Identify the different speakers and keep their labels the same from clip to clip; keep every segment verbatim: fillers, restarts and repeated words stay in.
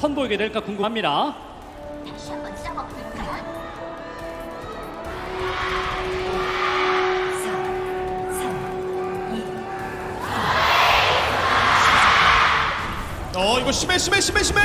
Speaker 1: 선보이게 될까 궁금합니다.
Speaker 2: 다시 한번 싸워볼까?
Speaker 3: 어 이거 심해 심해 심해 심해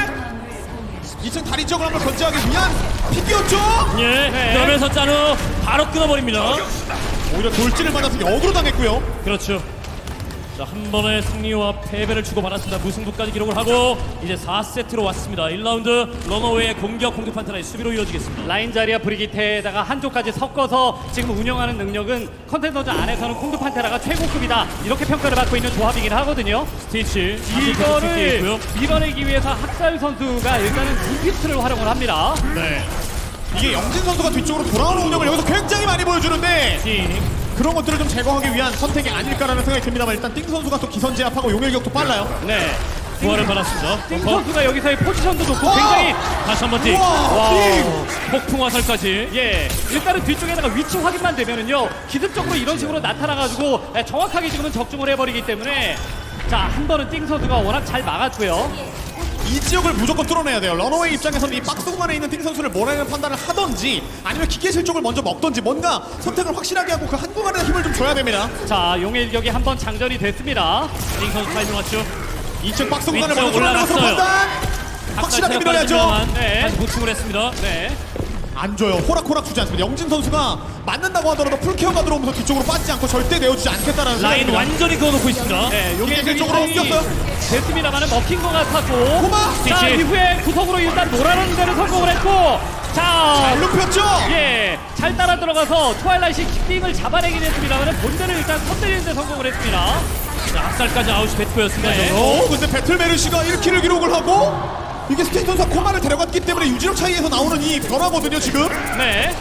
Speaker 3: 이 층 다리 쪽을 한번 건재하기 위한 픽이었죠?
Speaker 4: 예,
Speaker 1: 네.
Speaker 4: 그러면서 짜누 바로 끊어버립니다.
Speaker 3: 오히려 돌진을 받아서 역으로 당했고요.
Speaker 4: 그렇죠. 자, 한 번의 승리와 패배를 주고받았습니다. 무승부까지 기록을 하고 이제 사 세트로 왔습니다. 일 라운드 러너웨이의 공격, 공격 판타나의 수비로 이어지겠습니다.
Speaker 1: 라인 자리와 브리기테에다가 한쪽까지 섞어서 지금 운영하는 능력은 컨텐더즈 안에서는 콩드 판테라가 최고급이다 이렇게 평가를 받고 있는 조합이긴 하거든요.
Speaker 4: 스티치
Speaker 1: 이거를
Speaker 4: 있고요.
Speaker 1: 밀어내기 위해서 학살 선수가 일단은 눈피스를 활용을 합니다.
Speaker 3: 네. 이게 영진 선수가 뒤쪽으로 돌아오는 운영을 여기서 굉장히 많이 보여주는데
Speaker 4: 띵.
Speaker 3: 그런 것들을 좀 제거하기 위한 선택이 아닐까라는 생각이 듭니다만 일단 띵 선수가 또 기선제압하고 용일격도 빨라요.
Speaker 1: 네.
Speaker 4: 부활을 받았습니다.
Speaker 1: 띵
Speaker 4: 벙커.
Speaker 1: 선수가 여기서의 포지션도 좋고
Speaker 3: 와!
Speaker 1: 굉장히
Speaker 4: 다시 한번 띵.
Speaker 3: 우와! 띵!
Speaker 4: 폭풍 화살까지.
Speaker 1: 예, 일단은 뒤쪽에다가 위치 확인만 되면은요 기습적으로 이런 식으로 나타나가지고 예, 정확하게 지금은 적중을 해버리기 때문에 자, 한 번은 띵 선수가 워낙 잘 막았고요.
Speaker 3: 이 지역을 무조건 뚫어내야 돼요. 러너웨이 입장에서는 이 박스 공간에 있는 띵 선수를 몰아내는 판단을 하던지 아니면 기계실 쪽을 먼저 먹던지 뭔가 선택을 확실하게 하고 그 한 공간에 힘을 좀 줘야 됩니다.
Speaker 1: 자, 용의 일격이 한 번 장전이 됐습니다.
Speaker 4: 띵 선수 타이밍 왔죠.
Speaker 3: 이 층 박스 공간을
Speaker 4: 위쪽
Speaker 3: 먼저 뚫어내는 것으로
Speaker 4: 올라갔어요.
Speaker 3: 판단! 확실하게 밀어야죠.
Speaker 1: 네.
Speaker 4: 다시 보충을 했습니다.
Speaker 1: 네.
Speaker 3: 안 줘요. 호락호락 주지 않습니다. 영진 선수가 맞는다고 하더라도 풀케어가 들어오면서 뒤쪽으로 빠지지 않고 절대 내어주지 않겠다라는
Speaker 4: 라인
Speaker 3: 생각입니다.
Speaker 4: 완전히 그어놓고 있습니다.
Speaker 1: 네, 용의
Speaker 3: 기계실
Speaker 1: 일격이
Speaker 3: 쪽으로
Speaker 1: 사용이
Speaker 3: 옮겼어요.
Speaker 1: 됐습니다만은 먹힌 것 같았고.
Speaker 3: 고마!
Speaker 1: 자,
Speaker 4: 스티치.
Speaker 1: 이후에 구석으로 일단 놀아놓는 데를 성공을 했고. 자,
Speaker 3: 잘 눕혔죠?
Speaker 1: 예, 잘 따라 들어가서 트와일라이트 킥빙을 잡아내긴 했습니다만은 본대를 일단 선대리는 데 성공을 했습니다.
Speaker 4: 자, 악살까지 아웃이 배트였습니다.
Speaker 1: 네.
Speaker 3: 어, 근데 배틀메르시가 일 킬을 기록을 하고 이게 스테이 선수가 코마를 데려갔기 때문에 유지력 차이에서 나오는 이 변화거든요, 지금.
Speaker 1: 네.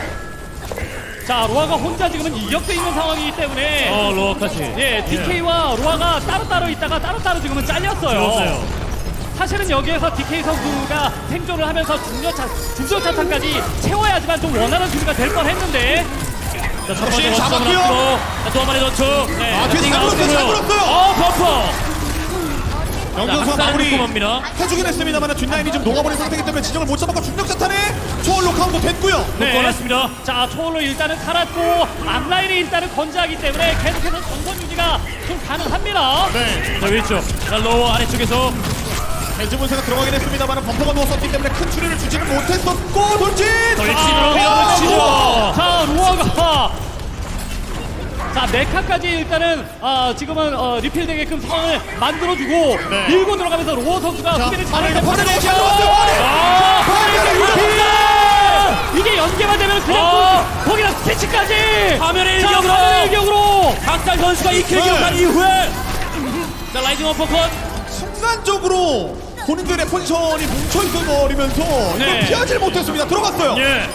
Speaker 1: 자, 로아가 혼자 지금은 이격돼 있는 상황이기 때문에
Speaker 4: 어, 로어까지.
Speaker 1: 예, 디케이와 로아가 따로따로 있다가 따로따로 지금은 잘렸어요.
Speaker 4: 좋았어요.
Speaker 1: 사실은 여기에서 디케이 선수가 생존을 하면서 중저차, 중저차탄까지 채워야지만 좀 원활한 수비가 될 뻔했는데
Speaker 4: 자, 첫
Speaker 3: 역시
Speaker 4: 번째
Speaker 3: 잡았고요.
Speaker 4: 원점을 앞으로. 자, 또 한 마리 넣죠.
Speaker 1: 네.
Speaker 3: 아, 뒤에 잘 물었어요, 잘 물었어요.
Speaker 4: 어, 버퍼.
Speaker 3: 영진 선수가
Speaker 4: 악살을
Speaker 3: 마무리
Speaker 4: 꼼꼼합니다.
Speaker 3: 해주긴 했습니다만 뒷라인이 좀 녹아버린 상태이기 때문에 진영을 못 잡았고 중력자탄에 초월로 카운터 됐고요.
Speaker 1: 네.
Speaker 4: 꺼냈습니다.
Speaker 1: 자, 초월로 일단은 살았고 앞라인이 일단은 건재하기 때문에 계속해서 전선 유지가 좀 가능합니다.
Speaker 3: 네.
Speaker 4: 자, 위쪽. 자, 로어 아래쪽에서
Speaker 3: 대지문세가 들어가긴 했습니다만 범퍼가 누웠었기 때문에 큰 추리를 주지는 못했었고 돌진!
Speaker 4: 돌진으로 밀어붙이죠.
Speaker 1: 자, 로아가 자, 메카까지 일단은 아, 지금은 어, 리필되게끔 상황을 만들어주고
Speaker 3: 네.
Speaker 1: 밀고 들어가면서 로어 선수가
Speaker 3: 자,
Speaker 1: 수비를
Speaker 3: 파레,
Speaker 1: 잘해서
Speaker 3: 파레,
Speaker 1: 받아내죠.
Speaker 3: 파레, 파레.
Speaker 1: 아,
Speaker 3: 파레,
Speaker 1: 리필! 이게 연계만 되면 그냥
Speaker 4: 어.
Speaker 1: 거- 거기다 스티치까지
Speaker 4: 화면의
Speaker 1: 자,
Speaker 4: 일격으로.
Speaker 1: 화면의 일격으로
Speaker 4: 박달 선수가 이 킬을
Speaker 3: 네.
Speaker 4: 기록한 이후에 자, 라이징 어퍼컷.
Speaker 3: 순간적으로 본인들의 포지션이 뭉쳐있어 버리면서
Speaker 1: 네.
Speaker 3: 이걸 피하지 못했습니다. 들어갔어요.
Speaker 4: 예.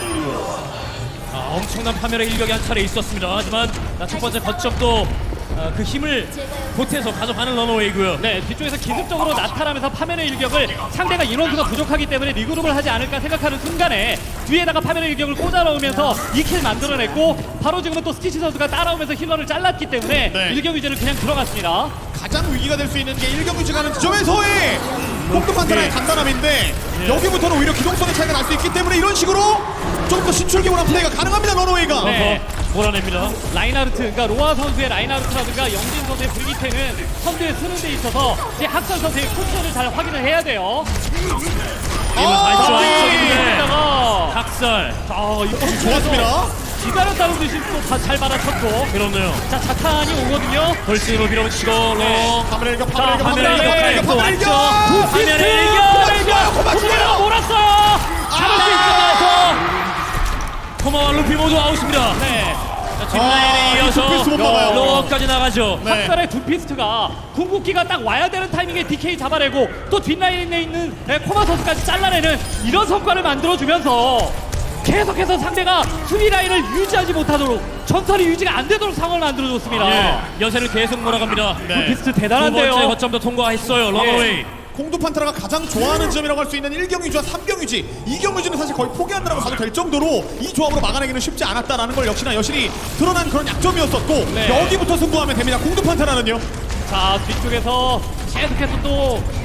Speaker 4: 아, 엄청난 파멸의 일격이 한 차례 있었습니다. 하지만 자, 첫 번째 거점도 아, 그 힘을 보태서 가져가는 러너웨이고요.
Speaker 1: 네, 뒤쪽에서 기습적으로 나타나면서 파면의 일격을 상대가 인원수가 부족하기 때문에 리그룹을 하지 않을까 생각하는 순간에 뒤에다가 파면의 일격을 꽂아 넣으면서 이 킬 만들어냈고 바로 지금은 또 스티치 선수가 따라오면서 힐러를 잘랐기 때문에
Speaker 3: 네.
Speaker 1: 일격 유지를 그냥 들어갔습니다.
Speaker 3: 가장 위기가 될 수 있는 게 일경 유지가는 지점에서의 공급 판단의
Speaker 4: 예.
Speaker 3: 간단함인데 여기부터는 오히려 기동성의 차이가 날 수 있기 때문에 이런 식으로 좀 더 신출기원한 플레이가 가능합니다. 러너웨이가.
Speaker 1: 네.
Speaker 4: 어퍼 몰아냅니다.
Speaker 1: 라인하르트, 그러니까 로아 선수의 라인하르트라든가 영진 선수의 브리기테는 선두에 서는 데 있어서 이제 학살 선수의 포지션을 잘 확인을 해야 돼요.
Speaker 4: 이번 다시
Speaker 3: 아,
Speaker 4: 안쪽인데
Speaker 1: 여기다가
Speaker 4: 학살.
Speaker 1: 자, 이거
Speaker 3: 좋았습니다.
Speaker 1: 기다렸다는 듯이 또 잘 받아쳤고
Speaker 4: 그렇네요.
Speaker 1: 자, 자탄이 오거든요.
Speaker 4: 돌진으로 밀어붙이고 로.
Speaker 3: 파멸의 일격,
Speaker 1: 자,
Speaker 3: 파멸의 일격,
Speaker 1: 화면의
Speaker 3: 파멸의 일격,
Speaker 1: 일격
Speaker 4: 또
Speaker 3: 파멸의 일격,
Speaker 4: 왔죠.
Speaker 3: 파멸의 일격!
Speaker 4: 화면의 일격.
Speaker 3: 고맙습니다. 고맙습니다.
Speaker 1: 고마워 몰았어요. 잡을 수 있을까요?
Speaker 4: 코마와 루피 모두 아웃입니다.
Speaker 1: 네.
Speaker 4: 자, 뒷라인에
Speaker 3: 아,
Speaker 4: 이어서
Speaker 3: 이 투피스 못 막아요.
Speaker 4: 로어까지 나가죠.
Speaker 3: 네.
Speaker 1: 학살의 두 피스트가 궁극기가 딱 와야 되는 타이밍에 디케이 잡아내고 또 뒷라인에 있는 네, 코마 선수까지 잘라내는 이런 성과를 만들어주면서 계속해서 상대가 수비 라인을 유지하지 못하도록 전설이 유지가 안 되도록 상황을 만들어줬습니다.
Speaker 4: 예. 여세를 계속 몰아갑니다.
Speaker 3: 네.
Speaker 1: 피스트
Speaker 4: 두 번째
Speaker 1: 대단한데요.
Speaker 4: 거점도 통과했어요. 러너웨이.
Speaker 3: 공두 판타라가 가장 좋아하는 지점이라고 할 수 있는 일 경 유지와 삼 경 유지, 이 경 유지는 사실 거의 포기한다라고 봐도 될 정도로 이 조합으로 막아내기는 쉽지 않았다라는 걸 역시나 여실히 드러난 그런 약점이었었고
Speaker 1: 네.
Speaker 3: 여기부터 승부하면 됩니다. 공두 판타라는요.
Speaker 1: 자, 뒤쪽에서 계속해서 또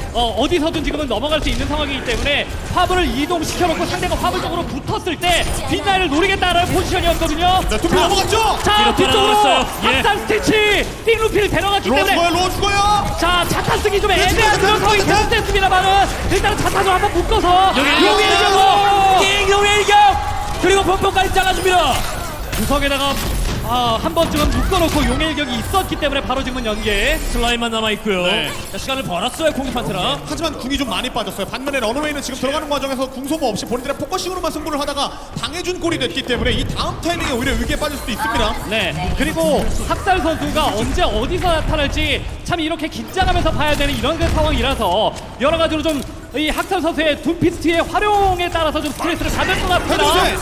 Speaker 1: 어, 어디서든 지금은 넘어갈 수 있는 상황이기 때문에 화물을 이동시켜놓고 상대가 화물 쪽으로 붙었을 때 뒷라인을 노리겠다는 포지션이었거든요.
Speaker 3: 네, 투피 넘어갔죠?
Speaker 1: 자,
Speaker 4: 뒤로
Speaker 1: 뒤쪽으로
Speaker 4: 따라갔어요. 예.
Speaker 1: 학살 스티치 띵루피를 데려갔기
Speaker 3: 로어
Speaker 1: 때문에
Speaker 3: 죽어요, 로어 죽어요.
Speaker 1: 자, 차탄 쓰기 좀
Speaker 3: 네,
Speaker 1: 애매한
Speaker 3: 지금
Speaker 1: 그런 상황이
Speaker 3: 차탄, 차탄.
Speaker 1: 계속됐습니다만은 일단은 차탄으로 한번 묶어서
Speaker 4: 여기
Speaker 1: 용의
Speaker 4: 일격!
Speaker 1: 일격으로
Speaker 4: 띵용의 일격! 그리고 펑펑까지 잘라줍니다.
Speaker 1: 구석에다가 아, 한 번쯤은 묶어놓고 용의 일격이 있었기 때문에 바로 지금은 연계.
Speaker 4: 슬라임만 남아있고요.
Speaker 3: 네.
Speaker 4: 자, 시간을 벌었어요, 공격 판테라.
Speaker 3: 하지만 궁이 좀 많이 빠졌어요. 반면에 런어웨이는 지금 들어가는 과정에서 궁 소모 없이 본인들의 포커싱으로만 승부를 하다가 당해준 꼴이 됐기 때문에 이 다음 타이밍에 오히려 위기에 빠질 수도 있습니다.
Speaker 1: 네. 그리고 학살 선수가 언제 어디서 나타날지 참 이렇게 긴장하면서 봐야 되는 이런 그 상황이라서 여러 가지로 좀 이 학살 선수의 둠피스트의 활용에 따라서 좀 스트레스를 받을 것 같습니다.
Speaker 3: 해주세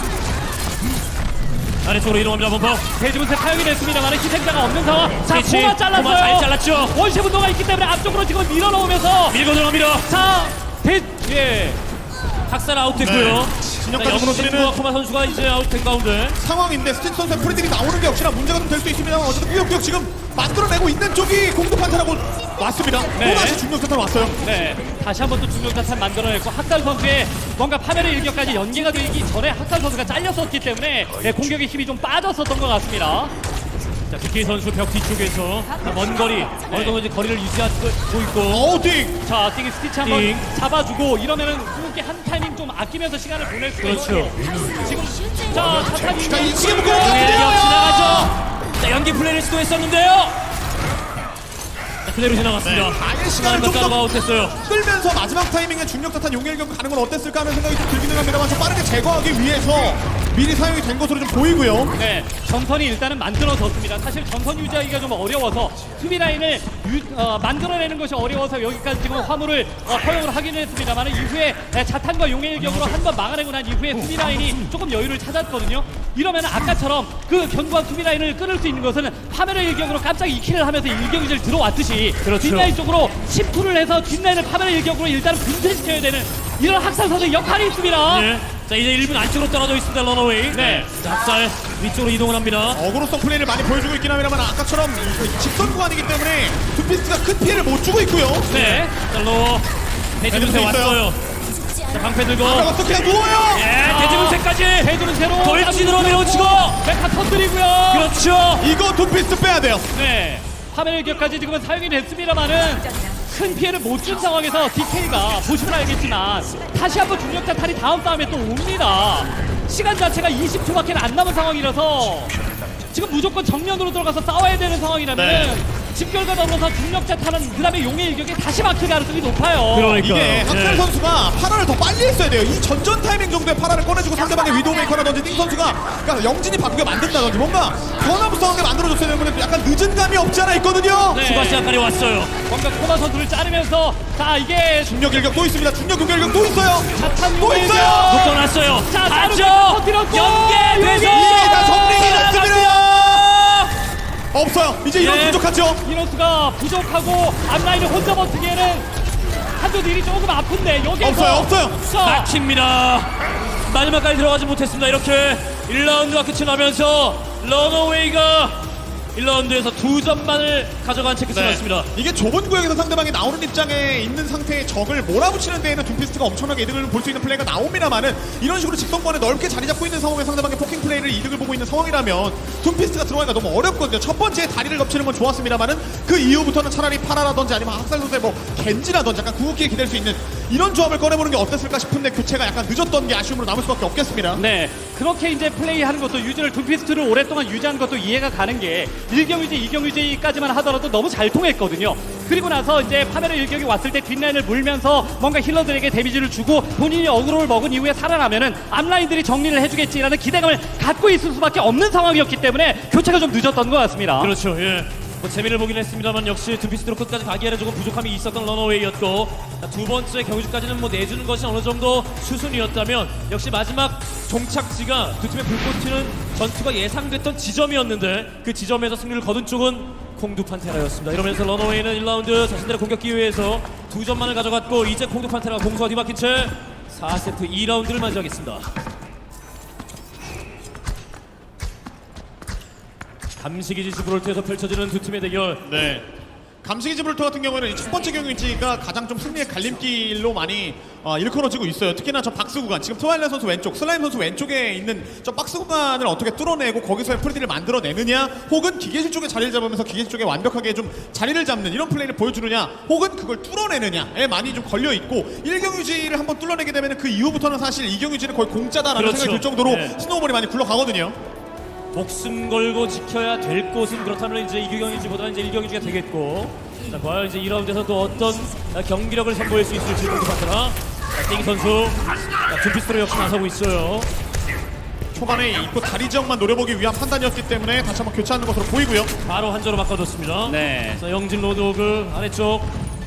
Speaker 4: 아래쪽으로 이동합니다, 펑펑.
Speaker 1: 대지분세 사용이 됐습니다만 희생자가 없는 상황. 자,
Speaker 4: 그렇지.
Speaker 1: 코마 잘랐어요.
Speaker 4: 코마 잘 잘랐죠.
Speaker 1: 원시 분도가 있기 때문에 앞쪽으로 지금 밀어넣으면서
Speaker 4: 밀고 들어갑니다.
Speaker 1: 자, 대, 예.
Speaker 4: 학살 아웃됐고요.
Speaker 3: 네.
Speaker 4: 자,
Speaker 3: 진영까지
Speaker 4: 역시
Speaker 3: 무너뜨리는
Speaker 4: 코마 선수가 이제 아웃된 가운데.
Speaker 3: 상황인데 스티치 선수의 프리들이 나오는 게 역시나 문제가 좀 될 수 있습니다만 어쨌든 꾸역꾸역 지금 만들어내고 있는 쪽이 공급 판타라고 왔습니다.
Speaker 1: 네.
Speaker 3: 또다시 중력 사탄 왔어요.
Speaker 1: 네, 다시 한번 또 중력자탄 만들어냈고 학살 선수의 뭔가 파멸의 일격까지 연계가 되기 전에 학살 선수가 잘렸었기 때문에 네, 공격의 힘이 좀 빠졌었던 것 같습니다.
Speaker 4: 자, 디케이 선수 벽 뒤쪽에서 자, 먼 거리, 어느 정도 이제 거리를 유지하고 있고.
Speaker 3: 어우 띵!
Speaker 1: 자, 띵이 스티치 한번
Speaker 4: 띵.
Speaker 1: 잡아주고 이러면은 궁극기 한 타이밍 좀 아끼면서 시간을 보낼 수
Speaker 4: 그렇죠.
Speaker 1: 있고 지금 자, 차탄이
Speaker 3: 자, 이 시계 묶어
Speaker 4: 네,
Speaker 3: 놓고
Speaker 4: 역 지나가죠. 자, 연기 플레이를 시도했었는데요. 자, 그대로 지나갔습니다.
Speaker 3: 네, 아예 시간을
Speaker 4: 시간을
Speaker 3: 좀 더-
Speaker 4: 따라가 아웃됐어요.
Speaker 3: 끌면서 마지막 타이밍에 중력 사탄 용일경 가는 건 어땠을까 하는 생각이 좀 들기는 합니다만 좀 빠르게 제거하기 위해서 미리 사용이 된 것으로 좀 보이고요.
Speaker 1: 네, 전선이 일단은 만들어졌습니다. 사실 전선 유지하기가 좀 어려워서 수비 라인을 유, 어, 만들어내는 것이 어려워서 여기까지 지금 화물을 어, 허용을 하긴 했습니다만 이후에 네, 자탄과 용의 일격으로 한 번 막아내고 난 이후에 수비 라인이 조금 여유를 찾았거든요. 이러면 아까처럼 그 견고한 수비 라인을 끊을 수 있는 것은 파멸의 일격으로 깜짝 이킬을 하면서 일격이질 들어왔듯이
Speaker 4: 그렇죠.
Speaker 1: 뒷라인 쪽으로 침투를 해서 뒷라인을 파멸의 일격으로 일단 분쇄시켜야 되는 이런 학살 선수의 역할이 있습니다.
Speaker 4: 예. 자, 이제 일 분 안쪽으로 떨어져 있습니다, 런어웨이.
Speaker 1: 네.
Speaker 4: 자, 학살 위쪽으로 이동을 합니다.
Speaker 3: 어그로성 플레이를 많이 보여주고 있긴 합니다만 아까처럼 이 직선 구간이기 때문에 투피스트가 큰 피해를 못 주고 있고요.
Speaker 1: 네.
Speaker 4: 자, 로 대지분세
Speaker 3: 대지분세 있어요.
Speaker 4: 왔어요. 자, 방패 들고.
Speaker 3: 그래서 그냥 누워요.
Speaker 4: 예, 대지분세까지.
Speaker 1: 대두는 새로
Speaker 4: 돌진으로 밀어치고.
Speaker 1: 메카 터뜨리고요.
Speaker 4: 그렇죠.
Speaker 3: 이거 투피스트 빼야 돼요.
Speaker 1: 네. 파멸의 일격까지 지금은 사용이 됐습니다만은 큰 피해를 못 준 상황에서 디케이가 보시면 알겠지만 다시 한번 중력자 탈이 다음 싸움에 또 옵니다. 시간 자체가 이십 초밖에 안 남은 상황이라서 지금 무조건 정면으로 들어가서 싸워야 되는 상황이라면은
Speaker 3: 네.
Speaker 1: 집결과 더불어서 중력자 탈은 그 다음에 용의 일격에 다시 막힐 가능성이 높아요.
Speaker 4: 그러니까.
Speaker 3: 이게 학살
Speaker 4: 예.
Speaker 3: 선수가 파라를 더 빨리 했어야 돼요. 이 전전 타이밍 정도에 파라를 꺼내주고 상대방의 위도우메이커라든지 띵 선수가 그러니까 영진이 바꾸게 만든다든지 뭔가 변화무쌍하게 만들어줬어야 되는데 약간 늦은 감이 없지 않아 있거든요.
Speaker 1: 네.
Speaker 4: 추가 시간까지 왔어요.
Speaker 1: 뭔가 코마 선수를 자르면서 자 이게
Speaker 3: 중력 일격 또 있습니다. 중력 일격 또 있어요.
Speaker 1: 자탄
Speaker 3: 또
Speaker 1: 용의
Speaker 3: 있어요.
Speaker 1: 일격.
Speaker 4: 묶어놨어요.
Speaker 1: 자,
Speaker 4: 안쪽
Speaker 1: 터뜨렸고
Speaker 4: 연계돼서
Speaker 3: 이게 다 정리가 났습니다. 없어요. 이제 이런
Speaker 4: 예.
Speaker 3: 부족하죠.
Speaker 1: 이노스가 부족하고 앞라인을 혼자 버티기에는 한조 딜이 조금 아픈데 여기에서
Speaker 3: 없어요, 없어요.
Speaker 1: 자,
Speaker 4: 막힙니다. 마지막까지 들어가지 못했습니다. 이렇게 일 라운드가 끝이 나면서 런어웨이가 일 라운드에서 두 점만을 가져간 채 끝이 났습니다.
Speaker 3: 이게 좁은 구역에서 상대방이 나오는 입장에 있는 상태의 적을 몰아붙이는 데에는 둠피스트가 엄청나게 이득을 볼 수 있는 플레이가 나옵니다만은 이런 식으로 직선권에 넓게 자리 잡고 있는 상황에 상대방의 포킹 플레이를 이득을 보고 있는 상황이라면 둠피스트가 들어가기가 너무 어렵거든요. 첫 번째 다리를 덮치는 건 좋았습니다만은 그 이후부터는 차라리 파라라든지 아니면 학살 선수의 뭐 겐지라든지 약간 궁극기에 기댈 수 있는 이런 조합을 꺼내보는 게 어땠을까 싶은데 교체가 약간 늦었던 게 아쉬움으로 남을 수밖에 없겠습니다.
Speaker 1: 네, 그렇게 이제 플레이하는 것도 유지를 둠피스트를 오랫동안 유지하는 것도 이해가 가는 게 일경유지, 이경유지까지만 하더라도 너무 잘 통했거든요. 그리고 나서 이제 파멸의 일격이 왔을 때 뒷라인을 물면서 뭔가 힐러들에게 데미지를 주고 본인이 어그로를 먹은 이후에 살아나면은 앞라인들이 정리를 해주겠지라는 기대감을 갖고 있을 수밖에 없는 상황이었기 때문에 교체가 좀 늦었던 것 같습니다.
Speaker 4: 그렇죠. 예. 뭐 재미를 보긴 했습니다만 역시 둠피스트로 끝까지 가기에는 조금 부족함이 있었던 런어웨이였고 자, 두 번째 경주까지는 뭐 내주는 것이 어느 정도 수순이었다면 역시 마지막 종착지가 두 팀의 불꽃 튀는 전투가 예상됐던 지점이었는데 그 지점에서 승리를 거둔 쪽은 콩두 판테라였습니다. 이러면서 런어웨이는 일 라운드 자신들의 공격 기회에서 두 점만을 가져갔고 이제 콩두 판테라가 공수가 뒤바뀐 채 사 세트 이 라운드를 맞이하겠습니다. 감시기지 지브롤트에서 펼쳐지는 두 팀의 대결.
Speaker 3: 네. 감시기 지브롤터 같은 경우에는 이첫 번째 경기지가 가장 좀 승리의 갈림길로 많이 어, 일컬어지고 있어요. 특히나 저 박스 구간, 지금 트와일라이트 선수 왼쪽, 슬라임 선수 왼쪽에 있는 저 박스 구간을 어떻게 뚫어내고 거기서의 프리디를 만들어내느냐, 혹은 기계실 쪽에 자리를 잡으면서 기계실 쪽에 완벽하게 좀 자리를 잡는 이런 플레이를 보여주느냐, 혹은 그걸 뚫어내느냐에 많이 좀 걸려 있고, 일 경유지를 한번 뚫어내게 되면 그 이후부터는 사실 이 경유지는 거의 공짜다라는
Speaker 4: 그렇죠.
Speaker 3: 생각이 들 정도로
Speaker 4: 네.
Speaker 3: 스노우볼이 많이 굴러가거든요.
Speaker 4: 목숨 걸고 지켜야 될 곳은 그렇다면 이제 이경유지보다는 이제 일경유지가 되겠고, 자, 과연 이제 이 라운드에서 또 어떤 경기력을 선보일 수 있을지 궁금하더라. 띵 선수 둠피스트로 역시 나서고 있어요.
Speaker 3: 초반에 입구 다리 지역만 노려보기 위한 판단이었기 때문에 다시 한번 교체하는 것으로 보이고요.
Speaker 4: 바로 한조로 바꿔줬습니다.
Speaker 1: 네.
Speaker 4: 자, 영진 로드오그 아래쪽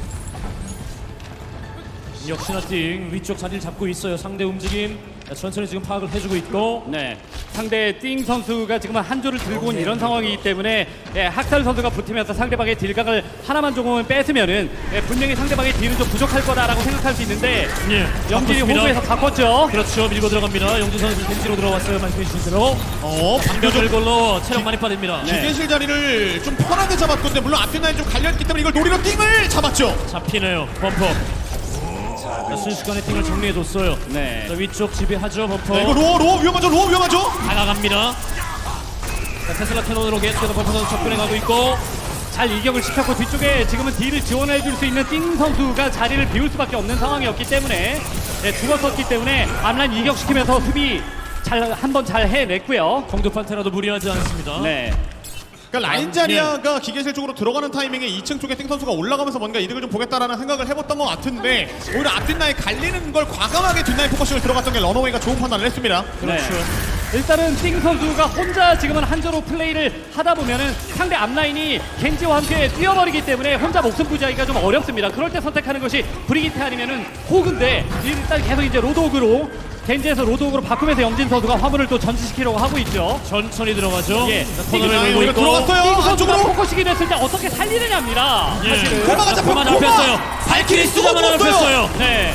Speaker 4: 역시나 띵 위쪽 자리를 잡고 있어요. 상대 움직임 천천히 지금 파악을 해주고 있고,
Speaker 1: 네, 상대 띵 선수가 지금 한 조를 들고 온 이런 상황이기 때문에 예, 학살 선수가 붙으면서 상대방의 딜각을 하나만 조금은 뺐으면은 예, 분명히 상대방의 딜은 좀 부족할 거다라고 생각할 수 있는데
Speaker 4: 예,
Speaker 1: 영진이
Speaker 4: 바꿨습니다.
Speaker 1: 호구에서 바꿨죠.
Speaker 4: 그렇죠. 밀고 들어갑니다. 영진 선수 벤치로 들어왔어요. 말씀해 주신 대로
Speaker 3: 어,
Speaker 4: 방벽을 걸로 체력 많이 빠집니다.
Speaker 1: 네.
Speaker 3: 기계실 자리를 좀 편하게 잡았건데, 물론 앞뒷 라인 좀 갈렸기 때문에 이걸 노리러 띵을 잡았죠.
Speaker 4: 잡히네요. 범퍼. 자, 순식간에 팀을 정리해줬어요.
Speaker 1: 네.
Speaker 4: 자, 위쪽 지배하죠. 범퍼.
Speaker 3: 네, 이거 로어 로어 위험하죠. 로어 위험하죠.
Speaker 4: 다가갑니다. 자, 테슬라 캐논으로 계속해서 범퍼 선수 접근해 가고 있고,
Speaker 1: 잘 일격을 시켰고 뒤쪽에 지금은 딜을 지원해 줄 수 있는 띵 선수가 자리를 비울 수밖에 없는 상황이었기 때문에 예, 죽었었기 때문에 앞라인 일격시키면서 수비 잘 한번 잘 해냈고요.
Speaker 4: 공두판테라도 무리하지 않습니다.
Speaker 1: 네.
Speaker 3: 그러니까 라인 자리아가 기계실 쪽으로 들어가는 타이밍에 이 층 쪽에 띵 선수가 올라가면서 뭔가 이득을 좀 보겠다라는 생각을 해봤던 것 같은데, 오히려 앞뒷 라인 갈리는 걸 과감하게 뒷라인 포커싱을 들어갔던 게 러너웨이가 좋은 판단을 했습니다.
Speaker 1: 그렇죠. 일단은 띵 선수가 혼자 지금은 한조로 플레이를 하다 보면은 상대 앞라인이 겐지와 함께 뛰어버리기 때문에 혼자 목숨 부지하기가 좀 어렵습니다. 그럴 때 선택하는 것이 브리기테 아니면은 호그인데, 일단 계속 이제 로드오그로 겐지에서 로드오그로 바꾸면서 영진 선수가 화물을 또 전진시키려고 하고 있죠.
Speaker 4: 천천히 들어가죠.
Speaker 1: 예.
Speaker 4: 자,
Speaker 1: 띵
Speaker 4: 코너를
Speaker 3: 라인
Speaker 4: 밀고
Speaker 3: 오히려
Speaker 4: 있고.
Speaker 3: 들어갔어요.
Speaker 1: 띵 선수가
Speaker 3: 안쪽으로.
Speaker 1: 포커싱이 됐을 때 어떻게 살리느냐입니다.
Speaker 4: 예.
Speaker 1: 사실은.
Speaker 3: 코마가
Speaker 4: 자,
Speaker 3: 잡혔-
Speaker 4: 코마
Speaker 3: 코마!
Speaker 4: 잡혔어요. 발키리 쓰자마자
Speaker 3: 쏘고
Speaker 4: 잡혔어요.
Speaker 1: 네.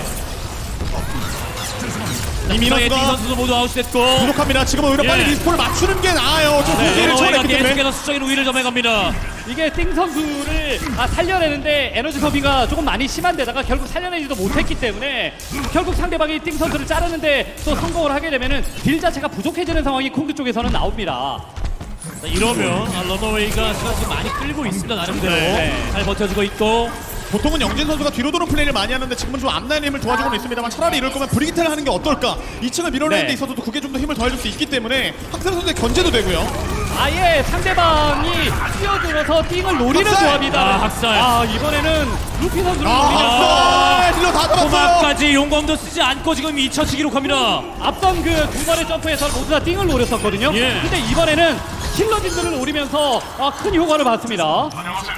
Speaker 3: 이민호
Speaker 4: 띵
Speaker 3: 선수가
Speaker 4: 선수도 모두 아웃됐고,
Speaker 3: 부족합니다. 지금은 오히려
Speaker 4: 예.
Speaker 3: 빨리 리스폰을 맞추는 게 나아요. 좀
Speaker 4: 네,
Speaker 3: 후기를
Speaker 4: 러너웨이가
Speaker 3: 처리했기 때문에.
Speaker 4: 계속해서 수적인 우위를 점해갑니다.
Speaker 1: 이게 띵 선수를 아, 살려내는데 에너지 소비가 조금 많이 심한데다가 결국 살려내지도 못했기 때문에 결국 상대방이 띵 선수를 자르는데 또 성공을 하게 되면은 딜 자체가 부족해지는 상황이 콩드 쪽에서는 나옵니다.
Speaker 4: 자, 이러면 아, 러너웨이가 시간 지금 많이 끌고 있습니다. 나름대로
Speaker 1: 네.
Speaker 4: 잘 버텨주고 있고.
Speaker 3: 보통은 영진 선수가 뒤로 도는 플레이를 많이 하는데 지금은 좀 앞라인의 힘을 도와주고는 있습니다만, 차라리 이럴 거면 브리기테를 하는 게 어떨까? 이 층을 밀어내는
Speaker 1: 네.
Speaker 3: 데 있어서도 그게 좀 더 힘을 더해줄 수 있기 때문에 학살 선수의 견제도 되고요.
Speaker 1: 아예 상대방이 뛰어들어서 띵을 노리는
Speaker 3: 학살!
Speaker 1: 조합이다.
Speaker 4: 아, 학살.
Speaker 1: 아, 이번에는 루피 선수를
Speaker 3: 아,
Speaker 1: 노리면서
Speaker 3: 학살! 딜러 다 잡았어요.
Speaker 4: 코마까지 용검도 쓰지 않고 지금 이 차치 기록합니다.
Speaker 1: 앞선 그 두 번의 점프에서 모두 다 띵을 노렸었거든요.
Speaker 4: 예.
Speaker 1: 근데 이번에는 힐러진들을 노리면서 아, 큰 효과를 봤습니다.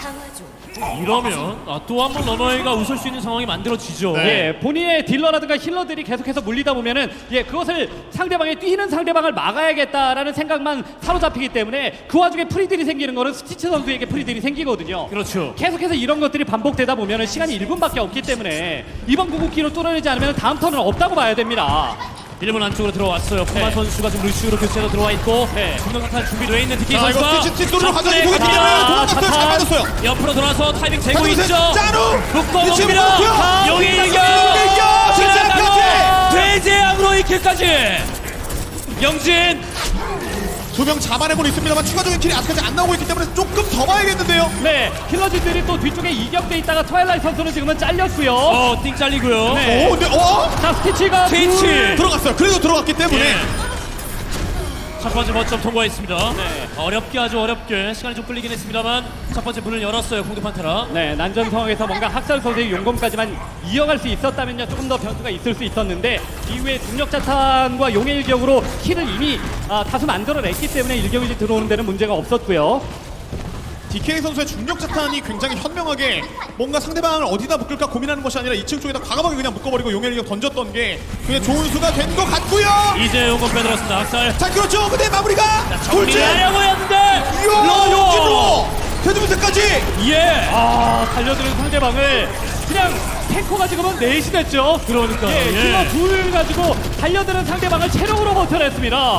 Speaker 4: 이러면 아, 또 한 번 러너웨이가 웃을 수 있는 상황이 만들어지죠.
Speaker 3: 네.
Speaker 1: 예, 본인의 딜러라든가 힐러들이 계속해서 물리다 보면은 예, 그것을 상대방의 뛰는 상대방을 막아야겠다라는 생각만 사로잡히기 때문에 그 와중에 프리딜이 생기는 거는 스티치 선수에게 프리딜이 생기거든요.
Speaker 4: 그렇죠.
Speaker 1: 계속해서 이런 것들이 반복되다 보면은 시간이 일 분밖에 없기 때문에 이번 궁극기로 뚫어내지 않으면 다음 턴은 없다고 봐야 됩니다.
Speaker 4: 일 분 안쪽으로 들어왔어요. 코마
Speaker 1: 네.
Speaker 4: 선수가 지금 루시우로 교체로 들어와 있고,
Speaker 1: 네.
Speaker 4: 중간탄 준비되어 있는 디케이
Speaker 3: 자, 이거
Speaker 4: 선수가
Speaker 3: 스티치 스티치로 가져가기
Speaker 4: 접근해
Speaker 3: 보기 때문에
Speaker 4: 갑니다.
Speaker 3: 도망갔어요. 잘
Speaker 1: 자탄.
Speaker 3: 맞았어요.
Speaker 4: 옆으로 돌아서 타이밍 재고
Speaker 3: 가져오세요.
Speaker 4: 있죠.
Speaker 3: 짜루!
Speaker 4: 묶어
Speaker 3: 위치
Speaker 4: 놓습니다.
Speaker 3: 묶었고요.
Speaker 4: 용의
Speaker 3: 이겨!
Speaker 4: 일격!
Speaker 3: 이겨! 진짜까지!
Speaker 4: 돼지암으로 이킬까지! 영진!
Speaker 3: 두 명 잡아내고는 있습니다만 추가적인 킬이 아직까지 안 나오고 있기 때문에 조금 더 봐야겠는데요.
Speaker 1: 네, 힐러진들이 또 뒤쪽에 이격돼 있다가 트와일라이트 선수는 지금은 잘렸고요.
Speaker 4: 어, 띵 잘리고요.
Speaker 1: 네.
Speaker 3: 오, 근데 어?
Speaker 1: 자, 스티치가
Speaker 4: 스티치!
Speaker 1: 둘.
Speaker 3: 들어갔어요. 그래도 들어갔기 때문에
Speaker 4: 예. 첫 번째 멋점 통과했습니다. 어렵게 아주 어렵게 시간이 좀 끌리긴 했습니다만 첫 번째 문을 열었어요. 공두판테라.
Speaker 1: 네, 난전 상황에서 뭔가 학살 선수의 용검까지만 이어갈 수 있었다면요 조금 더 변수가 있을 수 있었는데 이후에 중력 자탄과 용의 일격으로 킬을 이미 아, 다수 만들어냈기 때문에 일격이 들어오는 데는 문제가 없었고요.
Speaker 3: 디케이 선수의 중력 자탄이 굉장히 현명하게 뭔가 상대방을 어디다 묶을까 고민하는 것이 아니라 이 층 쪽에다 과감하게 그냥 묶어버리고 용의 일격 던졌던 게 그게 좋은 수가 된 것 같고요.
Speaker 4: 이제 용검 빼들었습니다. 학살.
Speaker 3: 자, 그렇죠. 근데 마무리가 돌진.
Speaker 4: 정리하려고 했는데
Speaker 3: 이야, 용진으로 대두분세까지.
Speaker 4: 예.
Speaker 1: 아, 달려드는 상대방을 그냥 탱커가 지금은 넷이 됐죠.
Speaker 4: 그러니까요.
Speaker 1: 예,
Speaker 4: 예.
Speaker 1: 힐러 둘 가지고 달려드는 상대방을 체력으로 버텨냈습니다.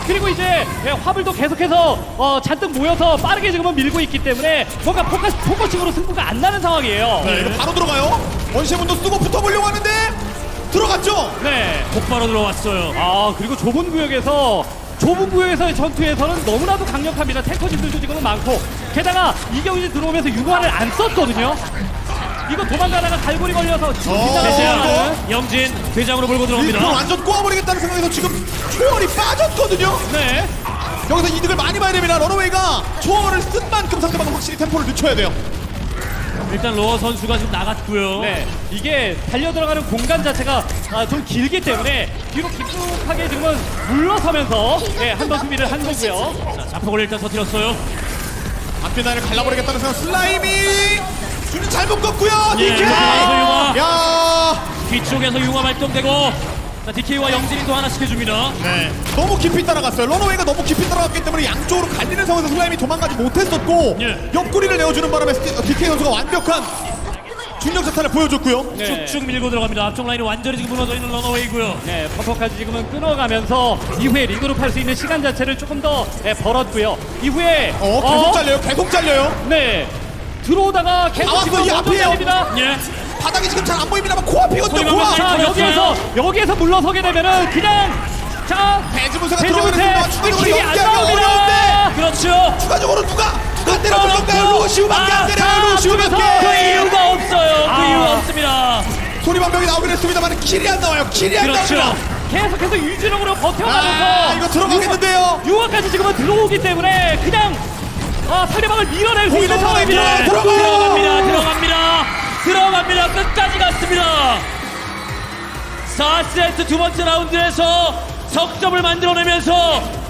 Speaker 1: 그리고 이제 예, 화물도 계속해서 어, 잔뜩 모여서 빠르게 지금은 밀고 있기 때문에 뭔가 포커스, 포커싱으로 승부가 안 나는 상황이에요.
Speaker 3: 네, 이거 바로 들어가요. 원시문도 쓰고 붙어보려고 하는데 들어갔죠.
Speaker 1: 네.
Speaker 4: 곧바로 들어왔어요.
Speaker 1: 아 그리고 좁은 구역에서 좁은 구역에서의 전투에서는 너무나도 강력합니다. 탱커진들도 지금은 많고 게다가 이경진 들어오면서 융화를 안 썼거든요. 이거 도망가다가 갈고리 걸려서 지금
Speaker 3: 어,
Speaker 1: 빗나가는
Speaker 3: 이거?
Speaker 4: 영진 대장으로 몰고
Speaker 3: 이거
Speaker 4: 들어갑니다.
Speaker 3: 완전 꼬아버리겠다는 생각에서 지금 초월이 빠졌거든요.
Speaker 1: 네.
Speaker 3: 여기서 이득을 많이 봐야 됩니다. 러너웨이가 초월을 쓴 만큼 상대방은 확실히 템포를 늦춰야 돼요.
Speaker 4: 일단 로어 선수가 지금 나갔고요.
Speaker 1: 네, 이게 달려 들어가는 공간 자체가 아, 좀 길기 때문에 뒤로 깊숙하게 지금은 물러서면서 네, 한 번 수비를 한 거고요.
Speaker 4: 자, 자폭을 일단 터뜨렸어요.
Speaker 3: 앞뒤나를 갈라버리겠다는 생각. 슬라임이 줄을 잘 묶었고요.
Speaker 4: 예,
Speaker 3: 디케이.
Speaker 4: 융화.
Speaker 3: 야,
Speaker 4: 뒤쪽에서 융화 발동되고 자, 디케이와 영진이 또 하나씩 해줍니다.
Speaker 3: 네. 너무 깊이 따라갔어요. 러너웨이가 너무 깊이 따라갔기 때문에 양쪽으로 갈리는 상황에서 슬라임이 도망가지 못했었고
Speaker 4: 예.
Speaker 3: 옆구리를 내어주는 바람에 디케이 선수가 완벽한 중력 자탄을 보여줬고요.
Speaker 1: 네.
Speaker 4: 쭉쭉 밀고 들어갑니다. 앞쪽 라인이 완전히 지금 무너져 있는 러너웨이고요.
Speaker 1: 네, 퍼퍼까지 지금은 끊어가면서 이후에 리그룹 할 수 있는 시간 자체를 조금 더 네, 벌었고요. 이후에
Speaker 3: 어, 계속 잘려요. 계속 잘려요.
Speaker 1: 네, 들어오다가 계속
Speaker 3: 나왔어,
Speaker 1: 지금
Speaker 3: 이
Speaker 1: 먼저
Speaker 3: 앞이에요.
Speaker 1: 잘립니다.
Speaker 4: 예.
Speaker 3: 바닥이 지금 잘 안 보입니다만 코앞이거든요.
Speaker 4: 소리만
Speaker 3: 코앞.
Speaker 1: 자,
Speaker 4: 들렸어요.
Speaker 1: 여기에서 여기에서 물러서게 되면은 그냥 자,
Speaker 3: 배지문세가 들어가는
Speaker 1: 배지문세
Speaker 3: 순간 추가적으로
Speaker 1: 힘이 안
Speaker 3: 연기하기가 어려운데
Speaker 1: 나옵니다.
Speaker 4: 그렇죠.
Speaker 3: 추가적으로 누가 누가 때려줄 건가요?
Speaker 1: 그렇죠.
Speaker 3: 로시우밖에 안
Speaker 1: 아,
Speaker 3: 때려요.
Speaker 1: 자,
Speaker 3: 로시우밖에.
Speaker 1: 앞쪽에서
Speaker 4: 그 이유가 없어요. 그
Speaker 1: 아.
Speaker 4: 이유가 없습니다.
Speaker 3: 소리방벽이 나오긴 했습니다만 킬이 안 나와요. 킬이 안
Speaker 4: 그렇죠.
Speaker 3: 나옵니다.
Speaker 1: 계속해서 유지력으로 버텨가면서
Speaker 3: 아, 이거 들어가겠는데요.
Speaker 1: 유화까지 지금은 들어오기 때문에 그냥 아, 상대방을 밀어낼 수 있는
Speaker 3: 들어가요,
Speaker 1: 상황입니다.
Speaker 3: 들어가요, 들어가요.
Speaker 4: 들어갑니다. 들어갑니다. 들어갑니다. 끝까지 갔습니다. 사 세트 두 번째 라운드에서 석점을 만들어내면서